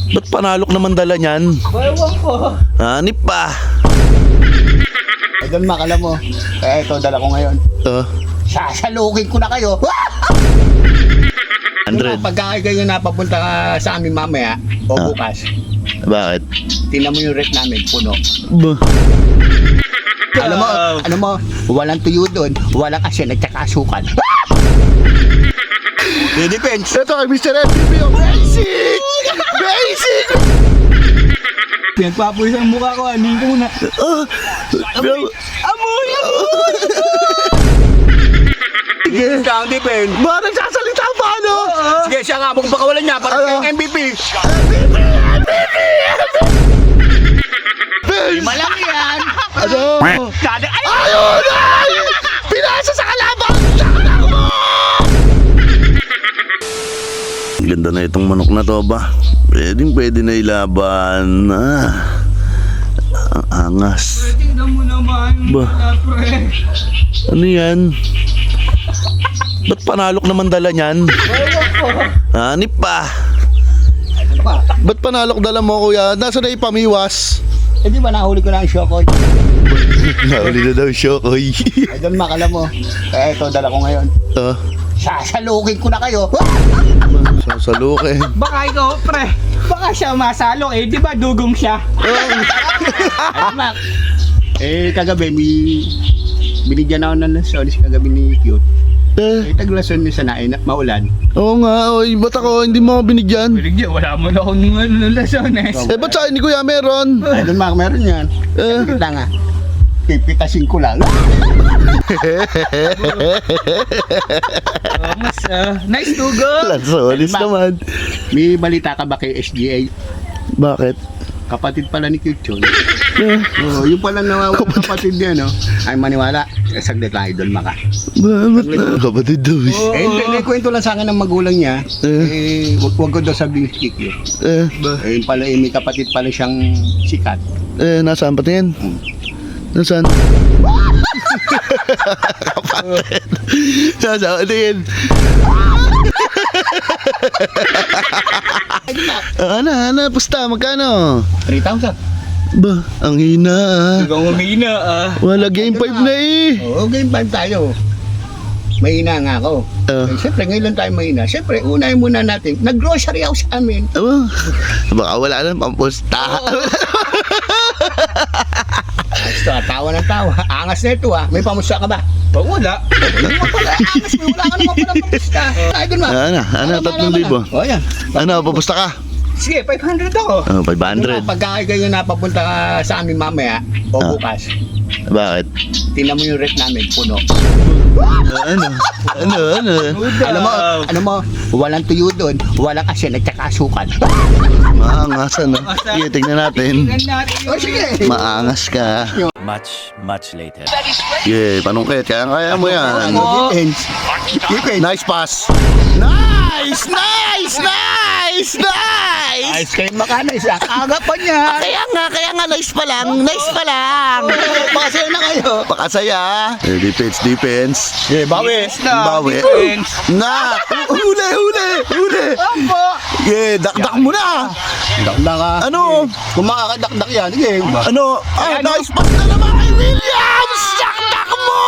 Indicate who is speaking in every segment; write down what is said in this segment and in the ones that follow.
Speaker 1: Ba't panalok naman dala niyan?
Speaker 2: Ewan ko.
Speaker 1: Hanip pa.
Speaker 3: Idol Mac, alam mo, ito dala ko ngayon. Sasalukin ko na kayo.
Speaker 1: 100.
Speaker 3: Pagka kayo napapunta ka sa amin mamaya o bukas,
Speaker 1: Bakit?
Speaker 3: tingnan mo yung rep namin, puno.
Speaker 1: Bah.
Speaker 3: Alam mo, walang tuyo doon, walang asin at saka asukal. Depends.
Speaker 1: Ito kay Mr. MVP. Basic! Basic!
Speaker 2: Pinagpapulis ang mukha ko, anin ko muna. Amoy!
Speaker 3: Sige, siya ang depend.
Speaker 1: Ba, nagsasalita pa, no?
Speaker 3: Sige, siya nga, magpakawalan niya para kayong MVP. Lima lang yan.
Speaker 1: Ano?
Speaker 3: Kada, ay!
Speaker 1: Ayun! Ay! Pinasa sa kalaban! Sakal mo! Ganda na itong manok na to ba? Pwede na ilaban. Ang angas.
Speaker 2: Tingnan mo naman.
Speaker 1: Ba?
Speaker 2: Pre.
Speaker 1: Ano yan? Ba't panalok naman dala niyan?
Speaker 2: Ewan ko.
Speaker 1: Hanip pa. Ba't panalok dala mo, kuya? Nasa na ipamiwas?
Speaker 3: Eh di ba nahuli ko na ang Shokoy?
Speaker 1: Nahuli na daw siya, koy.
Speaker 3: Idol Mac, alam mo, ito dala ko ngayon. Sasalukin ko na kayo.
Speaker 1: Sasalukin.
Speaker 2: Baka ikaw, pre. Baka siya masalo eh. Di ba dugong siya?
Speaker 3: Idol Mac, kagabi, binigyan ako ng lasonis kagabi ni Cute. Taglason niya sa nain, maulan.
Speaker 1: Oo nga, oy. Ba't ako hindi mo ako binigyan?
Speaker 2: Binigyan, wala mo na akong lasones.
Speaker 1: Ba't sa akin ni kuya meron?
Speaker 3: Idol Mac, meron yan. Kita nga. Pipitasin ko lang.
Speaker 2: Mas, nice dugo.
Speaker 1: Lansolis naman.
Speaker 3: May balita ka ba kay SGA?
Speaker 1: Bakit?
Speaker 3: Kapatid pala ni Cute Chon. Yung pala nawawala kapatid niya, no? Ay maniwala. Saglit lang, Idol Mac.
Speaker 1: Ba't na? Kapatid daw eh.
Speaker 3: Kwento lang sa akin ng magulang niya. Wag ko daw sabihin si Cute. Yun pala, may kapatid pala siyang sikat.
Speaker 1: Nasaan pati yan? Nasaan? Kapatid. Nasaan din? Ana, pusta, magkano?
Speaker 3: 3,000.
Speaker 1: Ba, ang hina
Speaker 2: Ikaw umina
Speaker 1: Wala game 5 na eh.
Speaker 3: Oo, game 5 tayo. Mahina nga ako. Siyempre, ngayon lang tayo mahina. Siyempre, unahin muna natin. Nag-grocery ako sa amin.
Speaker 1: Baka wala nang pampusta.
Speaker 3: Basta, tawa ng tawa. Angas na ito May pamusta ka ba?
Speaker 2: Pag wala.
Speaker 3: Wala, angas mo. Wala ka naman palang pamusta. Ay, dun ba?
Speaker 1: Ano, 3,000.
Speaker 3: O, yan.
Speaker 1: Ano, papusta ka?
Speaker 2: Sige, 500 ako.
Speaker 1: 500.
Speaker 3: Pagka kayo napapunta ka sa amin mamaya o bukas,
Speaker 1: Bakit?
Speaker 3: tingnan mo yung rep namin, puno.
Speaker 1: Ano?
Speaker 3: Alam mo, walang tuyo doon, walang asin at saka asukal.
Speaker 1: Maangas ano? Sige, tignan natin.
Speaker 2: Tingnan natin
Speaker 3: O,
Speaker 2: yung...
Speaker 3: sige.
Speaker 1: Maangas ka.
Speaker 4: Much later.
Speaker 1: Sige, panungkit. Kaya mo yan.
Speaker 3: Depends.
Speaker 1: Nice pass. Nice!
Speaker 3: Ice cream makana isa. Aga pa niya.
Speaker 1: Kaya nga, nice pa lang.
Speaker 3: Pakasaya na kayo.
Speaker 1: Pakasaya. Defense.
Speaker 3: Bawi.
Speaker 1: Bawi. Na! Huli!
Speaker 3: Ambo.
Speaker 1: Sige, dakdak mo na.
Speaker 3: Dakdak ka.
Speaker 1: Ano?
Speaker 3: Kung makakadakdak yan, sige.
Speaker 1: Ano? Nice pass na naman kay Williams! Dakdak mo!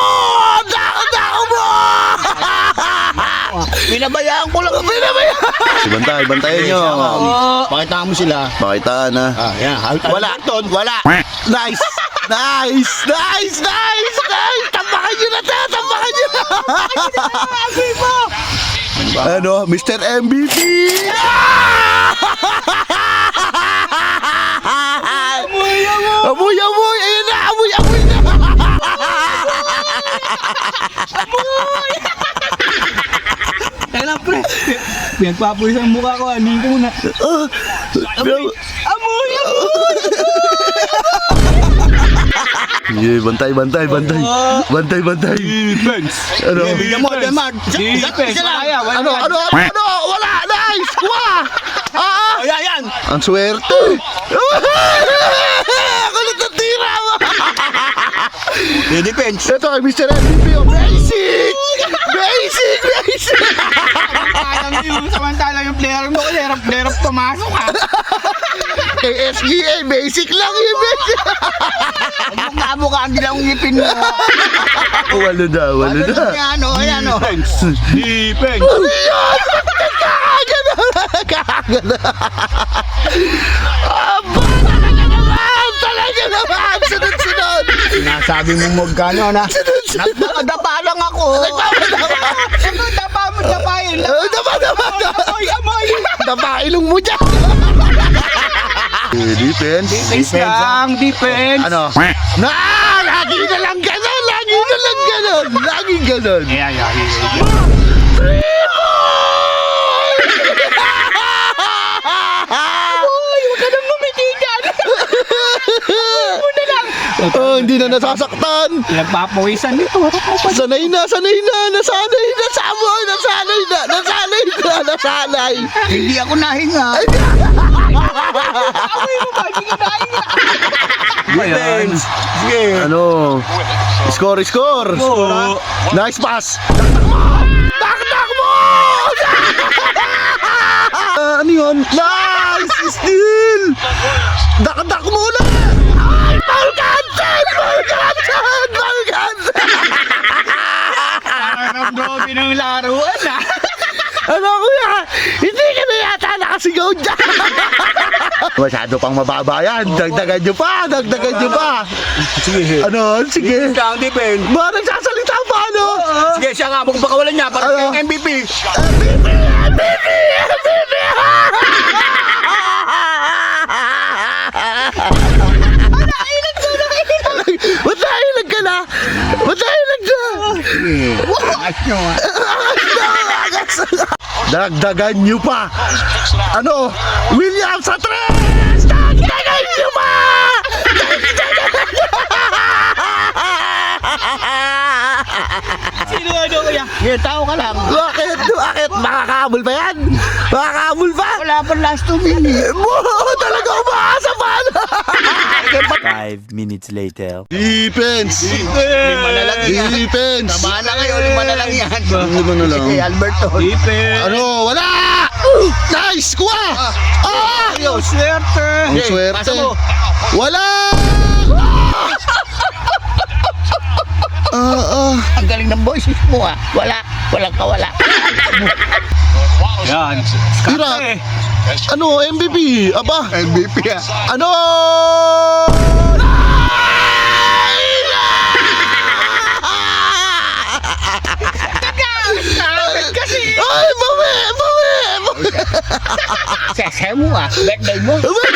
Speaker 3: Binabayaan ko lang.
Speaker 1: Bantayan nyo.
Speaker 3: Pakita mo sila.
Speaker 1: Pakitaan na.
Speaker 3: Yan.
Speaker 1: Wala. Nice. Tambakan nyo na. Ano? Mr. MVP. Amoy. Ayun na. Amoy na.
Speaker 2: Kailan, pre? Pinagpapulis ang mukha ko, anin ko muna. Amoy!
Speaker 1: Yeah, bantay.
Speaker 2: Defense.
Speaker 1: Ano?
Speaker 3: Bigyan mo, Demar.
Speaker 2: Defense. Kaya,
Speaker 1: Ano? Wala. Nice. Kuha.
Speaker 3: Yan.
Speaker 1: Ang swerte. Kulit na tira mo.
Speaker 3: Depends.
Speaker 1: Ito kay Mr. MVP. Basic.
Speaker 2: Parang yung samantala yung player mo, player of pumasok ha.
Speaker 1: kay SGA, basic lang yun.
Speaker 3: Mukha-mukha ang dilang ngipin mo.
Speaker 1: Walo na.
Speaker 3: Ano, ayan o.
Speaker 2: Defense.
Speaker 1: Ano yan? Kagad na. Aba, talaga naman. Sunod.
Speaker 3: Sinasabi mo magkano na. Nagdapa lang ako.
Speaker 2: Dapain.
Speaker 1: Dapa.
Speaker 2: Amoy.
Speaker 1: Dapa, ilong mo dyan. Defense.
Speaker 2: Defense lang, defense.
Speaker 1: Ano? Lagi na lang ganon.
Speaker 2: Huwag ka nang ngumiti dyan.
Speaker 1: Oh, hindi na nasasaktan.
Speaker 2: Nagpapawisan nito.
Speaker 1: Sanay na. Nasanay.
Speaker 3: Hindi ako nahinga.
Speaker 2: Amoy mo ba? Hindi ka nahinga.
Speaker 1: Defense. Sige. Ano? Score. Nice pass. Taktak mo! Ano yun? Nice! Steal! Dakdak mo na! Ay! Ball cancel!
Speaker 2: Parang dobi ng laruan ah.
Speaker 1: Ano kuya? Hindi ka na yata nakasigaw dyan! Masyado pang mababa yan. Dagdagan nyo pa.
Speaker 3: Sige.
Speaker 1: Ano? Sige.
Speaker 3: Siya ang defense.
Speaker 1: Ba, nagsasalita pa, ano?
Speaker 3: Sige, siya nga. Magpakawalan niya para
Speaker 1: Ano?
Speaker 3: siya yung MVP.
Speaker 1: Ba't nailag ka na?
Speaker 3: Angas nyo ah.
Speaker 1: Dagdagan nyo pa. Ano? William sa tres! Dagdagan nyo pa!
Speaker 2: Sino kuya?
Speaker 3: Sige, tao ka lang.
Speaker 1: Bakit? Makakahabol pa yan?
Speaker 3: Wala pa last 2 minutes.
Speaker 1: Talaga umaasa pa!
Speaker 4: 5 minutes later.
Speaker 1: Defense!
Speaker 3: Lima na lang yan.
Speaker 1: Defense!
Speaker 3: Tama na kayo, 5 na lang yan.
Speaker 1: 5 na lang.
Speaker 3: Sige, Alberto.
Speaker 2: Defense.
Speaker 1: Ano? Wala! Nice! Kuha!
Speaker 3: Ayos, swerte.
Speaker 1: Ang
Speaker 3: Okay,
Speaker 1: swerte.
Speaker 3: pasa mo.
Speaker 1: Wala!
Speaker 3: Ang galing ng boses mo ah. Walang kawala.
Speaker 2: Yan.
Speaker 1: Tira! Ano? MVP? Aba?
Speaker 3: MVP ah.
Speaker 1: Ano?
Speaker 2: Kasi.
Speaker 1: Ay, bawi!
Speaker 3: Sese mo ah. Birthday mo.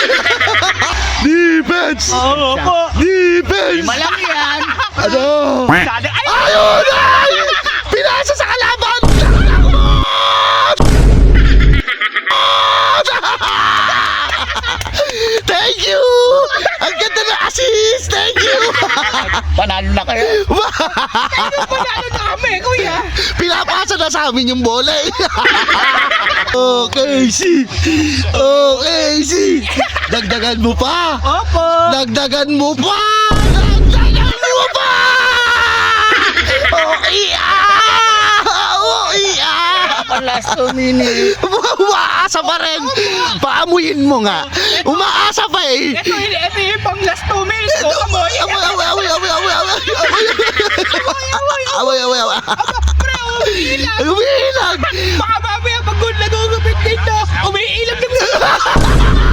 Speaker 1: Defense!
Speaker 2: Oo po.
Speaker 1: Defense!
Speaker 3: 5 lang yan.
Speaker 1: Ano?
Speaker 2: Sada. Ay!
Speaker 1: Ayun! Ay! Pinasa sa kalaban! Thank you! Ang ganda na assist! Thank you!
Speaker 3: Panalo na kayo.
Speaker 2: Panalo na kami, kuya.
Speaker 1: Pinapasa na sa amin yung bola eh. Okay, dagdagan mo pa!
Speaker 2: Opo.
Speaker 1: Dagdagan mo pa!
Speaker 3: Last 2 minutes.
Speaker 1: Umaasa pa rin! Paamuyin mo nga! Umaasa pa eh!
Speaker 2: Ito yung pang last 2 minutes ko. Amoy.
Speaker 1: Away!
Speaker 2: Pre, umiilag.
Speaker 1: Umiilag!
Speaker 2: Baka mamaya pag nagugupit dito, umiilag na